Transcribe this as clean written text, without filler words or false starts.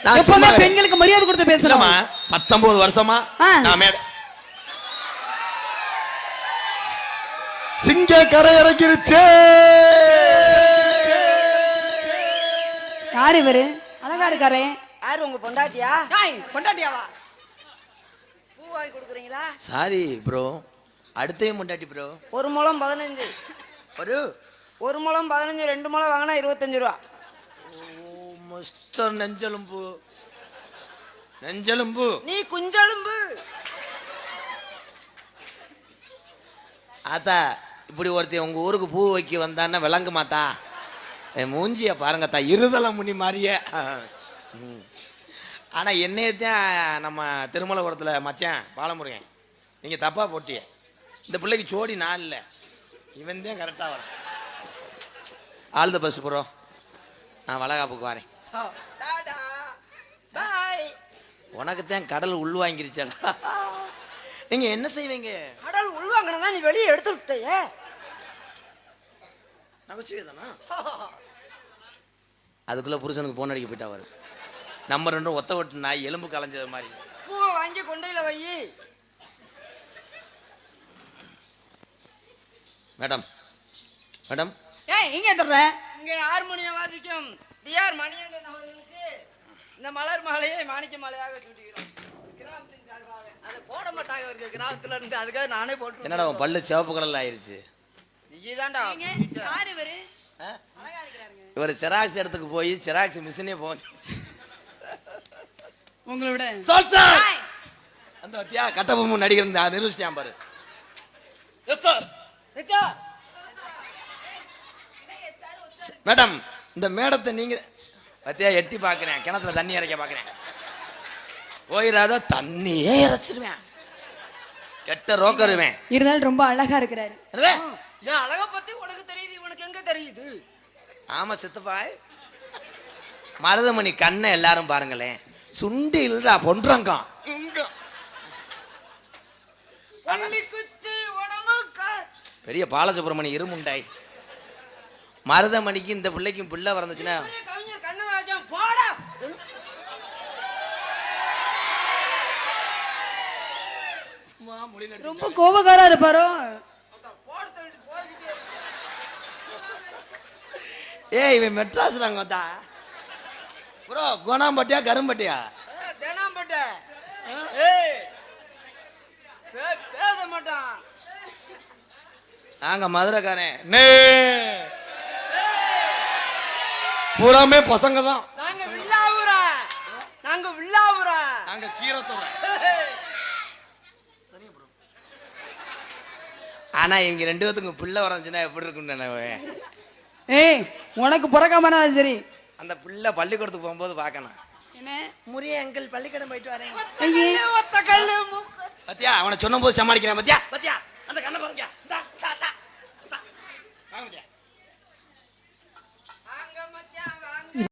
எப்பவுமே பெண்களுக்கு மரியாதை கொடுத்து பேசலாமா? 19 வருஷமா நான் மேட சிங்க கரை இறங்கிருச்சே. யாரு இவரு? அழகா இருக்காரே. யாரு உங்க பொண்டாட்டியா? பொண்டாட்டியாவா? பூ வாங்கி கொடுக்குறீங்களா? சாரி ப்ரோ, அடுத்தையும் பொண்டாட்டி ப்ரோ. 1 முழம் 15. ஒரு முழம் 15, 2 முழம் வாங்கினா 25 ரூபா. மிஸ்டர் நெஞ்சலும்பு, நெஞ்சலும்பு நீ குஞ்சலும்பு. ஆத்தா, இப்படி ஒருத்தன் உங்க ஊருக்கு பூ வைக்க வந்தான்னா விளங்கு மாத்தா. என் மூஞ்சிய பாருங்கத்தா, இருதலை முனி மாதிரியே. ஆனா என்னையத்தான் நம்ம திருமலபுரத்தில் மச்சான் பாலமுருகன் நீங்க தப்பா போட்டிய. இந்த பிள்ளைக்கு சோடி நான் இல்லை, இவன் தான் கரெக்டா வர. All the best bro. நான் வளகாப்புக்கு வரேன். உனக்குத்தான் கடல் உள் வாங்கிருச்சா? நீங்க என்ன செய்வீங்க? கடல் உள்வாங்கினதா நீ வெளியே எடுத்து விட்டே. நகைச்சுவைதானா? அதுக்குள்ள புருஷனுக்கு போன் அடிக்க போயிட்டா வரும். நம்ம 2 ஒத்த ஒட்டு நாய் எலும்பு கலைஞ்சது மாதிரி. பூவை வாங்கி கொண்டையில வை. மேடம் மேடம், இங்க எந்தற? இங்க ஹார்மோனியம் வாசிக்கும் டிஆர் மணிகண்டன் அவர்களுக்கு இந்த மலர் மாலையை மாணிக்க மாலையாக சூட்டுகிறோம். கிராமத்தின் சார்பாக. அதை போட மாட்டாங்க இவருக்கு கிராமத்துல இருந்து, அதுக்காக நானே போட்டு. என்னடா பல்லு சிவப்பு கலர்ல ஆயிருச்சு? நீதான்டா. யாரு இவரு? அழகா இருக்கிறாருங்க. இவர் செராக்ஸ் இடத்துக்கு போய் செராக்ஸ் மிஷினே போச்சு. உங்களோட சொல் சார். அந்த வத்தியா கட்டபொம்மன் நடிகர் நிரூபிச்சிட்டான் பாரு. Yes sir. மேடம், இந்த மேடத்தை நீங்க பத்தியா எட்டி பாக்குறேன், கிணத்துல தண்ணி இறைக்க பாக்குறேன். போயிடாத, தண்ணியே இறைச்சிருவேன், கெட்ட ரோக்கருவேன். இருந்தாலும் ரொம்ப அழகா இருக்கிறாரு. என் அழக பத்தி உனக்கு தெரியுது, இவனுக்கு எங்க தெரியுது? ஆமா சித்தப்பாய், மருதமணி கண்ணை எல்லாரும் பாருங்களேன், சுண்டி இல்லடா பொன்றங்கம். பெரிய பாலசுப்ரமணி இருமுண்டாய். மருதமணிக்கு இந்த பிள்ளைக்கும் பிள்ளை வரந்துச்சுன்னா ரொம்ப கோபக்காரா இருப்பாரோ? ஏய், இவன் மெட்ராஸ் நாங்க ப்ரோ. கோணாம்பட்டியா கரும்பட்டியா? தேனாம்பட்ட. பேச மாட்டான். நாங்க மதுரைக்காரன், பூராமே பசங்க தான். நாங்க வில்லாவுரா, நாங்க வில்லாவுரா, நாங்க கீரத்தோட. ஆனா இவங்க 2 பேத்துக்கும் பிள்ளை வரஞ்சுன்னா எப்படி இருக்குன்னு. ஏய், உனக்கு பிறக்காமனா சரி. அந்த பிள்ளை பள்ளிக்கூடத்துக்கு போகும்போது பார்க்கணும். என்ன முறிய எங்கள் பள்ளிக்கூடம் போயிட்டு வரேன். ஒத்த கல்லு பத்தியா அவனை சொன்ன போது சமாளிக்கிறேன். பத்தியா பத்தியா